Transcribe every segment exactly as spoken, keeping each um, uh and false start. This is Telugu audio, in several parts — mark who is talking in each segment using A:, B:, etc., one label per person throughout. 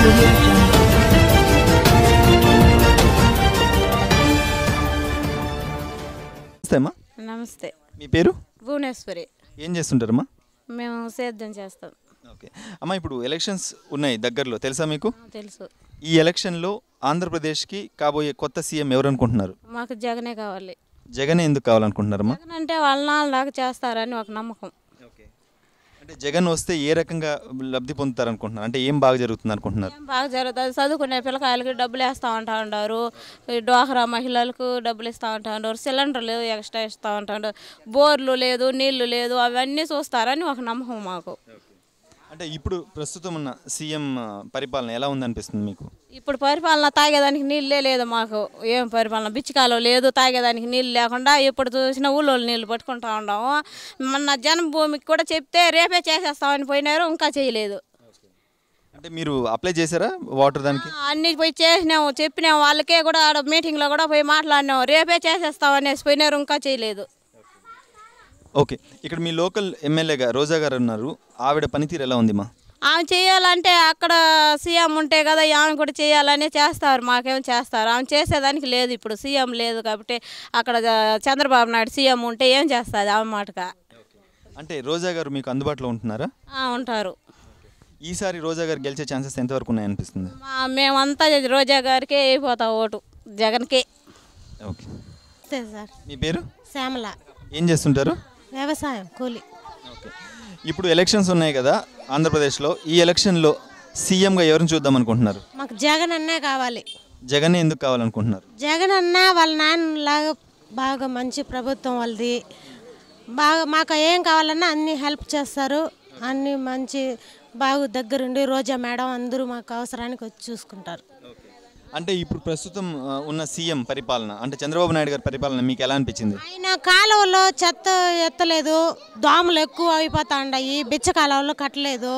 A: audio jungle.
B: నమస్తే అమ్మా.
C: నమస్తే.
B: మీ పేరు?
C: భువనేశ్వరి.
B: ఏం చేస్తుంటారమ్మా?
C: మేము సేద్యం చేస్తాం.
B: ఓకే అమ్మా, ఇప్పుడు ఎలక్షన్స్ ఉన్నాయి దగ్గరలో, తెలుసా మీకు?
C: తెలుసు.
B: ఈ ఎలక్షన్లో ఆంధ్రప్రదేశ్కి కాబోయే కొత్త సీఎం ఎవరు అనుకుంటున్నారు?
C: మాకు జగనే కావాలి.
B: జగనే ఎందుకు కావాలనుకుంటున్నారమ్మా?
C: జగన్ అంటే వాళ్ళ నాలుగు చేస్తారని ఒక నమ్మకం.
B: ఓకే, అంటే జగన్ వస్తే ఏ రకంగా లబ్ధి పొందుతారు అనుకుంటున్నారు? అంటే ఏం బాగా జరుగుతుంది అనుకుంటున్నారు?
C: ఏం బాగా జరుగుతుంది, చదువుకునే పిల్లకాయలకి డబ్బులు వేస్తూ ఉంటా ఉంటారు, డ్వాక్రా మహిళలకు డబ్బులు ఇస్తూ ఉంటా ఉంటారు, సిలిండర్లు ఎక్స్ట్రా ఇస్తూ ఉంటారు, బోర్లు లేదు, నీళ్లు లేదు, అవన్నీ చూస్తారని ఒక నమ్మకం మాకు.
B: అంటే ఇప్పుడు ప్రస్తుతం ఉన్న సీఎం పరిపాలన ఎలా ఉందనిపిస్తుంది మీకు?
C: ఇప్పుడు పరిపాలన తాగేదానికి నీళ్ళే లేదు మాకు. ఏం పరిపాలన, బిచ్చికాలో లేదు, తాగేదానికి నీళ్ళు లేకుండా ఇప్పుడు చూసిన ఊళ్ళో నీళ్ళు పట్టుకుంటా ఉన్నాము. మొన్న జన్మభూమికి కూడా చెప్తే రేపే చేసేస్తామని పోయినారు, ఇంకా చేయలేదు.
B: అంటే మీరు అప్లై చేశారా వాటర్ దానికి?
C: అన్ని పోయి చేసినాము, చెప్పినాము, వాళ్ళకే కూడా ఆడ మీటింగ్లో కూడా పోయి మాట్లాడినాము, రేపే చేసేస్తామనేసి పోయినారు, ఇంకా చేయలేదు.
B: ఓకే, ఇక్కడ మీ లోకల్ ఎమ్మెల్యేగా రోజా గారు ఉన్నారు, ఆవిడ పనితీరు ఎలా ఉంది మా?
C: ఆమె చేయాలంటే అక్కడ సీఎం ఉంటే కదా ఆమె కూడా చేయాలని చేస్తారు, మాకేమో చేస్తారు. ఆమె చేసేదానికి లేదు, ఇప్పుడు సీఎం లేదు కాబట్టి. అక్కడ చంద్రబాబు నాయుడు సీఎం ఉంటే ఏం చేస్తుంది ఆమె మాటగా?
B: అంటే రోజా గారు మీకు అందుబాటులో ఉంటున్నారా?
C: ఉంటారు.
B: ఈసారి రోజా గారు గెలిచే ఛాన్సెస్ ఎంతవరకు ఉన్నాయనిపిస్తుంది?
C: మేమంతా రోజా గారికే అయిపోతాం ఓటు, జగన్కే.
B: Okay
C: sir.
B: మీ పేరు?
C: శ్యామల.
B: ఏం చేస్తుంటారు?
C: వ్యవసాయం, కూలి.
B: ఓకే, ఇప్పుడు ఎలక్షన్స్ ఉన్నాయి కదా ఆంధ్రప్రదేశ్లో, ఈ ఎలక్షన్లో సీఎంగా ఎవరిని చూద్దాం అనుకుంటున్నారు?
C: మాకు జగన్ అన్నే కావాలి.
B: జగన్ ఎందుకు కావాలనుకుంటున్నారు?
C: జగన్ అన్న వాళ్ళ నాన్నలాగా బాగా మంచి ప్రభుత్వం వాళ్ళది, బాగా మాకు ఏం కావాలన్నా అన్ని హెల్ప్ చేస్తారు, అన్ని మంచి బాగా దగ్గరుండి రోజా మేడం అందరూ మాకు అవసరానికి వచ్చి చూసుకుంటారు.
B: అంటే ఇప్పుడు ప్రస్తుతం ఉన్న సీఎం పరిపాలన, అంటే చంద్రబాబు నాయుడు గారి పరిపాలన మీకు ఎలా అనిపించింది?
C: ఆయన కాలువలో చెత్త ఎత్తలేదు, దోమలు ఎక్కువ అయిపోతా ఉన్నాయి, బిచ్చ కాలువలో కట్టలేదు,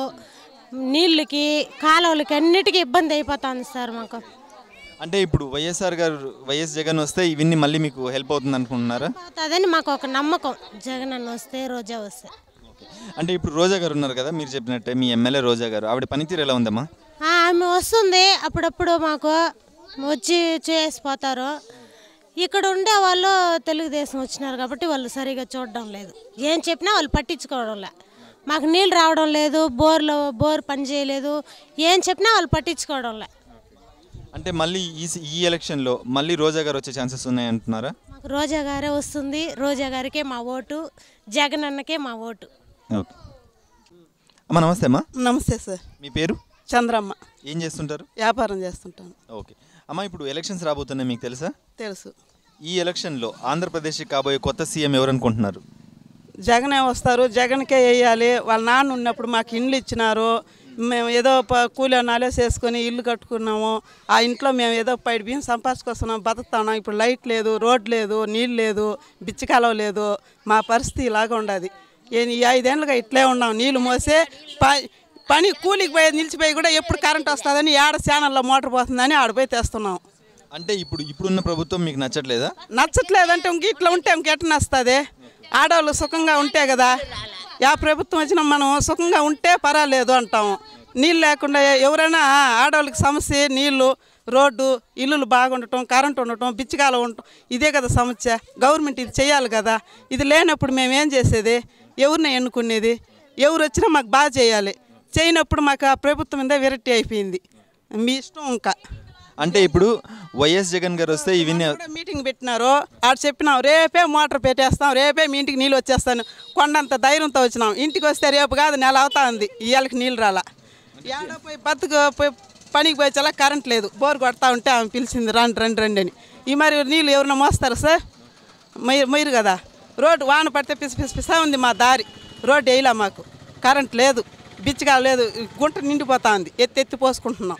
C: నీళ్ళకి కాలువలకి అన్నిటికీ ఇబ్బంది అయిపోతుంది సార్ మాకు.
B: అంటే ఇప్పుడు వైఎస్ఆర్ గారు, వైఎస్ జగన్ వస్తే ఇవన్నీ మళ్ళీ మీకు హెల్ప్ అవుతుంది అనుకుంటున్నారా?
C: అదని మాకు ఒక నమ్మకం, జగన్ అన్న వస్తే, రోజా వస్తే.
B: అంటే ఇప్పుడు రోజా గారు ఉన్నారు కదా, మీరు చెప్పినట్టే మీ ఎమ్మెల్యే రోజా గారు, ఆవిడ పనితీరు ఎలా ఉందమ్మా?
C: ఆమె వస్తుంది అప్పుడప్పుడు, మాకు వచ్చి చేసిపోతారు. ఇక్కడ ఉండే వాళ్ళు తెలుగుదేశం వచ్చినారు కాబట్టి వాళ్ళు సరిగా చూడడం లేదు, ఏం చెప్పినా వాళ్ళు పట్టించుకోవడం లే. మాకు నీళ్ళు రావడం లేదు, బోర్లో బోర్ పని చేయలేదు, ఏం చెప్పినా వాళ్ళు పట్టించుకోవడం లే.
B: అంటే మళ్ళీ ఈ ఈ ఎలక్షన్లో మళ్ళీ రోజా గారు వచ్చే ఛాన్సెస్ ఉన్నాయి అంటున్నారా?
C: మాకు రోజా గారే వస్తుంది, రోజా గారికే మా ఓటు, జగన్ అన్నకే మా ఓటు.
B: ఓకే అమ్మా, నమస్తే అమ్మా.
D: నమస్తే సార్.
B: మీ పేరు?
D: చంద్రమ్మ.
B: ఏం చేస్తుంటారు?
D: వ్యాపారం చేస్తుంటాను.
B: ఓకే అమ్మా, ఇప్పుడు ఎలక్షన్స్ రాబోతున్నాయి, మీకు తెలుసా?
D: తెలుసు.
B: ఈ ఎలక్షన్లో ఆంధ్రప్రదేశ్కి కాబోయే కొత్త సీఎం ఎవరు అనుకుంటున్నారు?
D: జగనే వస్తారు, జగన్కే వేయాలి. వాళ్ళ నాన్న ఉన్నప్పుడు మాకు ఇండ్లు ఇచ్చినారు, మేము ఏదో కూలి నాలే చేసుకొని ఇల్లు కట్టుకున్నాము. ఆ ఇంట్లో మేము ఏదో పైడి బియ్యం సంపాదించుకొస్తున్నాం, బతుకుతున్నాం. ఇప్పుడు లైట్ లేదు, రోడ్ లేదు, నీళ్ళు లేదు, బిచ్చకాలం లేదు. మా పరిస్థితి ఇలాగ ఉండదు. ఈ ఐదేళ్ళుగా ఇట్లే ఉన్నాం, నీళ్ళు మోసే పని కూలికి పోయి నిలిచిపోయి కూడా ఎప్పుడు కరెంట్ వస్తుందని ఏడ ఛానల్లో మోటార్ పోతుందని ఆడిపోయి తెస్తున్నాం.
B: అంటే ఇప్పుడు ఇప్పుడున్న ప్రభుత్వం మీకు నచ్చట్లేదా?
D: నచ్చట్లేదంటే ఇంక ఇట్లా ఉంటే ఇంకెట్ట నస్తుంది? ఆడవాళ్ళు సుఖంగా ఉంటే కదా, యా ప్రభుత్వం వచ్చినా మనం సుఖంగా ఉంటే పర్వాలేదు అంటాము. నీళ్ళు లేకుండా ఎవరైనా ఆడవాళ్ళకి సమస్య నీళ్ళు, రోడ్డు, ఇల్లులు బాగుండటం, కరెంటు ఉండటం, బిచ్చకాలం ఉండటం, ఇదే కదా సమస్య. గవర్నమెంట్ ఇది చేయాలి కదా. ఇది లేనప్పుడు మేము ఏం చేసేది? ఎవరిని ఎన్నుకునేది? ఎవరు వచ్చినా మాకు బాగా చేయాలి. చేయనప్పుడు మాకు ఆ ప్రభుత్వం మీద విరక్తి అయిపోయింది. మీ ఇష్టం ఇంకా.
B: అంటే ఇప్పుడు వైఎస్ జగన్ గారు వస్తే ఇవన్నీ
D: మీటింగ్ పెట్టినారు, ఆడ చెప్పినాం రేపే మోటార్ పెట్టేస్తాం, రేపే మీ ఇంటికి నీళ్ళు వచ్చేస్తాను, కొండంత ధైర్యంతో వచ్చినాం. ఇంటికి వస్తే రేపు కాదు నెల అవుతా ఉంది, ఇవాళకి నీళ్ళు రాలా. ఏడ పోయి బతుకు పోయి పనికి పోయి చాలా కరెంట్ లేదు, బోర్ కొడతా ఉంటే ఆమె పిలిచింది రండి రండి రండి అని. ఈ మరి నీళ్ళు ఎవరైనా మోస్తారు సార్? మొయ్యి మొయ్యరు కదా. రోడ్డు వాన పడితే పిసి పిసి పిసా ఉంది మా దారి, రోడ్డు వేయలే మాకు, కరెంట్ లేదు, బిచ్చగా లేదు, గుంట నిండిపోతా ఉంది, ఎత్తి ఎత్తి పోసుకుంటున్నాం.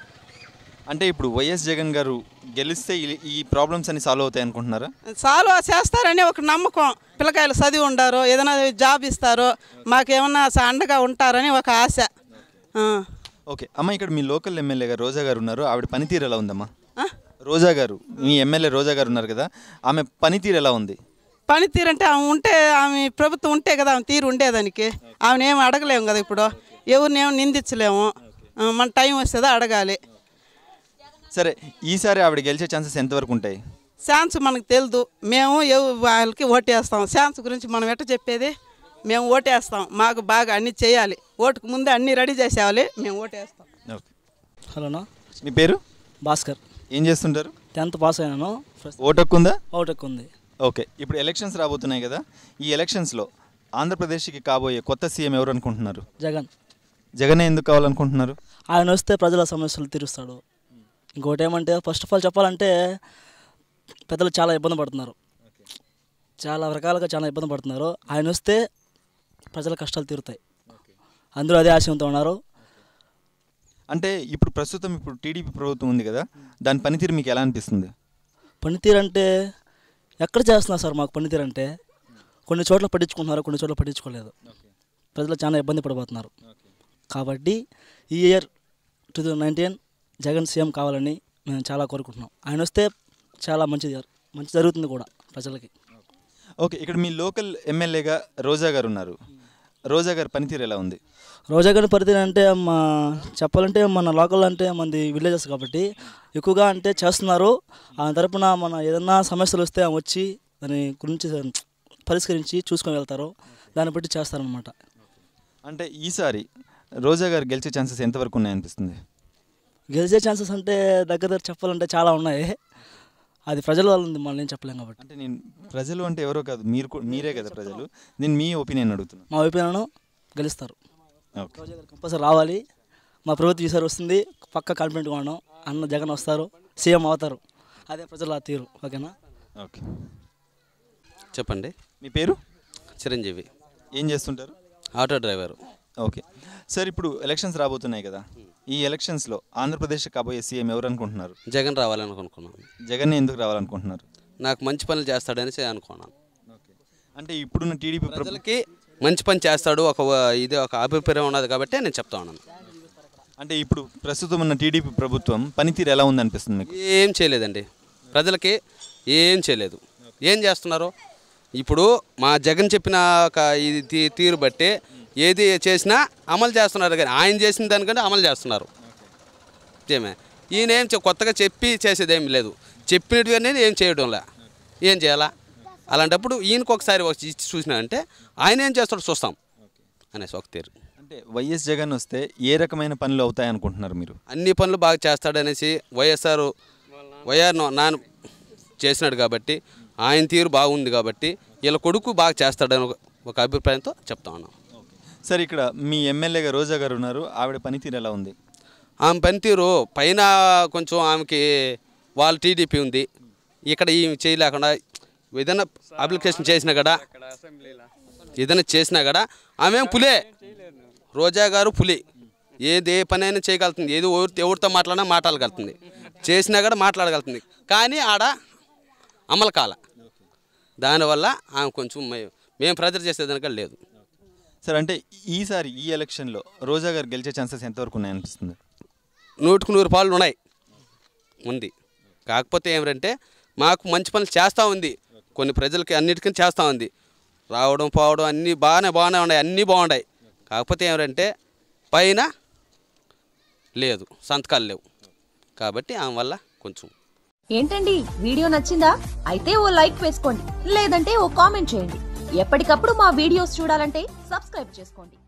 B: అంటే ఇప్పుడు వైఎస్ జగన్ గారు గెలిస్తే ఈ ప్రాబ్లమ్స్ అన్ని సాల్వ్ అవుతాయి అనుకుంటున్నారా?
D: సాల్వ్ చేస్తారని ఒక నమ్మకం. పిల్లకాయలు చదివి ఉండారు, ఏదైనా జాబ్ ఇస్తారు, మాకేమన్నా అండగా ఉంటారని ఒక ఆశ.
B: ఓకే అమ్మ, ఇక్కడ మీ లోకల్ ఎమ్మెల్యే గారు రోజా గారు ఉన్నారు, ఆవిడ పనితీరు ఎలా ఉందమ్మా? రోజా గారు, మీ ఎమ్మెల్యే రోజా గారు ఉన్నారు కదా, ఆమె పనితీరు ఎలా ఉంది?
D: పనితీరు అంటే ఆమె ఉంటే, ఆమె ప్రభుత్వం ఉంటే కదా ఆమె తీరు ఉండేదానికి. ఆమెను ఏమి అడగలేము కదా, ఇప్పుడు ఎవరినేమో నిందించలేము. ఆ, మన టైం వస్తుందో అడగాలి.
B: సరే ఈసారి ఆవిడ గెలిచే ఛాన్సెస్ ఎంతవరకు ఉంటాయి?
D: ఛాన్స్ మనకు తెలియదు. మేము ఎవ- వాళ్ళకి ఓటేస్తాం. ఛాన్స్ గురించి మనం ఎట్ట చెప్పేది? మేము ఓటేస్తాం. మాకు బాగా అన్నీ చేయాలి. ఓటుకు ముందే అన్నీ రెడీ చేసేవాలి. మేము ఓటేస్తాం.
B: ఓకే.
A: హలోనా,
B: మీ పేరు?
A: భాస్కర్.
B: ఏం చేస్తుంటారు?
A: టెన్త్ పాస్ అయినాను.
B: ఓటు హక్కు ఉందా?
A: అవుటెక్ ఉంది.
B: ఓకే. ఇప్పుడు ఎలక్షన్స్ రాబోతున్నాయి కదా, ఈ ఎలక్షన్స్లో ఆంధ్రప్రదేశ్కి కాబోయే కొత్త సీఎం ఎవరు అనుకుంటున్నారు?
A: జగన్.
B: జగనే ఎందుకు కావాలనుకుంటున్నారు?
A: ఆయన వస్తే ప్రజల సమస్యలు తీరుస్తాడు. ఇంకోటి ఏమంటే ఫస్ట్ ఆఫ్ ఆల్ చెప్పాలంటే పెద్దలు చాలా ఇబ్బంది పడుతున్నారు, చాలా రకాలుగా చాలా ఇబ్బంది పడుతున్నారు. ఆయన వస్తే ప్రజల కష్టాలు తీరుతాయి. అందరూ అదే ఆశయంతో ఉన్నారు.
B: అంటే ఇప్పుడు ప్రస్తుతం ఇప్పుడు టీడీపీ ప్రభుత్వం ఉంది కదా, దాని పనితీరు మీకు ఎలా అనిపిస్తుంది?
A: పనితీరు అంటే ఎక్కడ చేస్తున్నారు సార్? మాకు పనితీరు అంటే కొన్ని చోట్ల పట్టించుకుంటున్నారు, కొన్ని చోట్ల పట్టించుకోలేదు. ప్రజలు చాలా ఇబ్బంది పడిపోతున్నారు. కాబట్టి ఈ year two thousand nineteen Jagan CM కావాలని మేము చాలా కోరుకుంటున్నాం. ఆయన వస్తే చాలా మంచిది మంచి జరుగుతుంది కూడా ప్రజలకి.
B: ఓకే. ఇక్కడ మీ లోకల్ ఎమ్మెల్యేగా రోజా గారు ఉన్నారు. రోజా గారి పనితీరు ఎలా ఉంది?
A: రోజా గారి పరిధి అంటే మా చెప్పాలంటే మన లోకల్ అంటే మనది విలేజెస్ కాబట్టి ఎక్కువగా అంటే చేస్తున్నారు. ఆ తరపున మన ఏదన్నా సమస్యలు వస్తే ఆమె వచ్చి దాని గురించి పరిష్కరించి చూసుకొని వెళ్తారు. దాన్ని బట్టి చేస్తారనమాట.
B: అంటే ఈసారి రోజా గారు గెలిచే ఛాన్సెస్ ఎంతవరకు ఉన్నాయనిపిస్తుంది?
A: గెలిచే ఛాన్సెస్ అంటే దగ్గర దగ్గర చెప్పాలంటే చాలా ఉన్నాయి. అది ప్రజల వల్ల ఉంది, మనం ఏం చెప్పలేం కాబట్టి.
B: అంటే నేను ప్రజలు అంటే ఎవరో కాదు, మీరు కూ- మీరే కదా ప్రజలు. నేను మీ ఒపీనియన్ అడుగుతున్నాను.
A: మా వైపునను గెలుస్తారు.
B: ఓకే.
A: రోజా గారు కంపల్సరీ రావాలి. మా ప్రభుత్వం ఈసారి వస్తుంది, పక్క కాన్ఫిడెంట్గా ఉన్నాం. అన్న జగన్ వస్తారు, సీఎం అవుతారు. అదే ప్రజల తీరు. ఓకేనా?
B: ఓకే.
E: చెప్పండి.
B: మీ పేరు?
E: చిరంజీవి.
B: ఏం చేస్తుంటారు?
E: Auto driver.
B: ఓకే సార్, ఇప్పుడు ఎలక్షన్స్ రాబోతున్నాయి కదా, ఈ ఎలక్షన్స్లో ఆంధ్రప్రదేశ్ కాబోయే సీఎం ఎవరు అనుకుంటున్నారు?
E: జగన్ రావాలని అనుకున్నాను.
B: జగన్ ఎందుకు రావాలనుకుంటున్నారు?
E: నాకు మంచి పనులు చేస్తాడని అనుకున్నాను.
B: ఓకే. అంటే ఇప్పుడున్న టీడీపీ
E: ప్రజలకి మంచి పని చేస్తాడు, ఒక ఇది ఒక అభిప్రాయం ఉన్నది కాబట్టి నేను చెప్తా ఉన్నాను.
B: అంటే ఇప్పుడు ప్రస్తుతం ఉన్న టీడీపీ ప్రభుత్వం పనితీరు ఎలా ఉందనిపిస్తుంది మీకు?
E: ఏం చేయలేదండి, ప్రజలకి ఏం చేయలేదు. ఏం చేస్తున్నారు ఇప్పుడు? మా జగన్ చెప్పిన ఒక ఇది తీ- తీరు బట్టి ఏది చేసినా అమలు చేస్తున్నారు, కానీ ఆయన చేసిన దానికంటే అమలు చేస్తున్నారు. ఏమే ఈయన ఏం చె- కొత్తగా చెప్పి చేసేది ఏం లేదు, చెప్పినట్టు అనేది ఏం చేయడంలే. ఏం చేయాలా? అలాంటప్పుడు ఈయనకు ఒకసారి వచ్చి ఇచ్చి చూసినా అంటే ఆయన ఏం చేస్తాడో చూస్తాం అనేసి ఒక తీరు.
B: అంటే వైఎస్ జగన్ వస్తే ఏ రకమైన పనులు అవుతాయి అనుకుంటున్నారు మీరు?
E: అన్ని పనులు బాగా చేస్తాడనేసి వైఎస్ఆర్ వైఆర్ నాన్న చేసినాడు కాబట్టి, ఆయన తీరు బాగుంది కాబట్టి వీళ్ళ కొడుకు బాగా చేస్తాడని ఒక- ఒక అభిప్రాయంతో చెప్తా ఉన్నాం.
B: సార్, ఇక్కడ మీ ఎమ్మెల్యేగా రోజా గారు ఉన్నారు, ఆవిడ పనితీరు ఎలా ఉంది?
E: ఆమె పనితీరు పైన కొంచెం ఆమెకి వాళ్ళ టీడీపీ ఉంది, ఇక్కడ ఈ చేయలేకుండా ఏదైనా అప్లికేషన్ చేసినా కూడా ఏదైనా చేసినా కూడా ఆమె పులే. రోజా గారు పులి, ఏది ఏ పని అయినా చేయగలుగుతుంది, ఏది ఎవరి ఎవరితో మాట్లాడినా మాట్లాడగలుగుతుంది, చేసినా కూడా మాట్లాడగలుగుతుంది. కానీ ఆడ అమలు కాల, దానివల్ల ఆమె కొంచెం మే- మేము ప్రజలు చేసేదానిక లేదు.
B: సార్, అంటే ఈసారి ఈ ఎలక్షన్లో రోజా గారు గెలిచే ఛాన్సెస్ ఎంతవరకు ఉన్నాయనిపిస్తుంది?
E: నూటికి నూరు పాలు ఉన్నాయి ఉంది. కాకపోతే ఏమిటంటే మాకు మంచి పనులు చేస్తూ ఉంది, కొన్ని ప్రజలకి అన్నిటికీ చేస్తూ ఉంది. రావడం పోవడం అన్నీ బాగానే బాగానే ఉన్నాయి, అన్నీ బాగున్నాయి. కాకపోతే ఏమిటంటే పైన లేదు, సంతకాలు లేవు. కాబట్టి ఆమె వల్ల కొంచెం.
F: ఏంటండి వీడియో నచ్చిందా? అయితే ఓ లైక్ వేసుకోండి, లేదంటే ఓ కామెంట్ చేయండి. ఎప్పటికప్పుడు మా వీడియోస్ చూడాలంటే సబ్స్క్రైబ్ చేసుకోండి.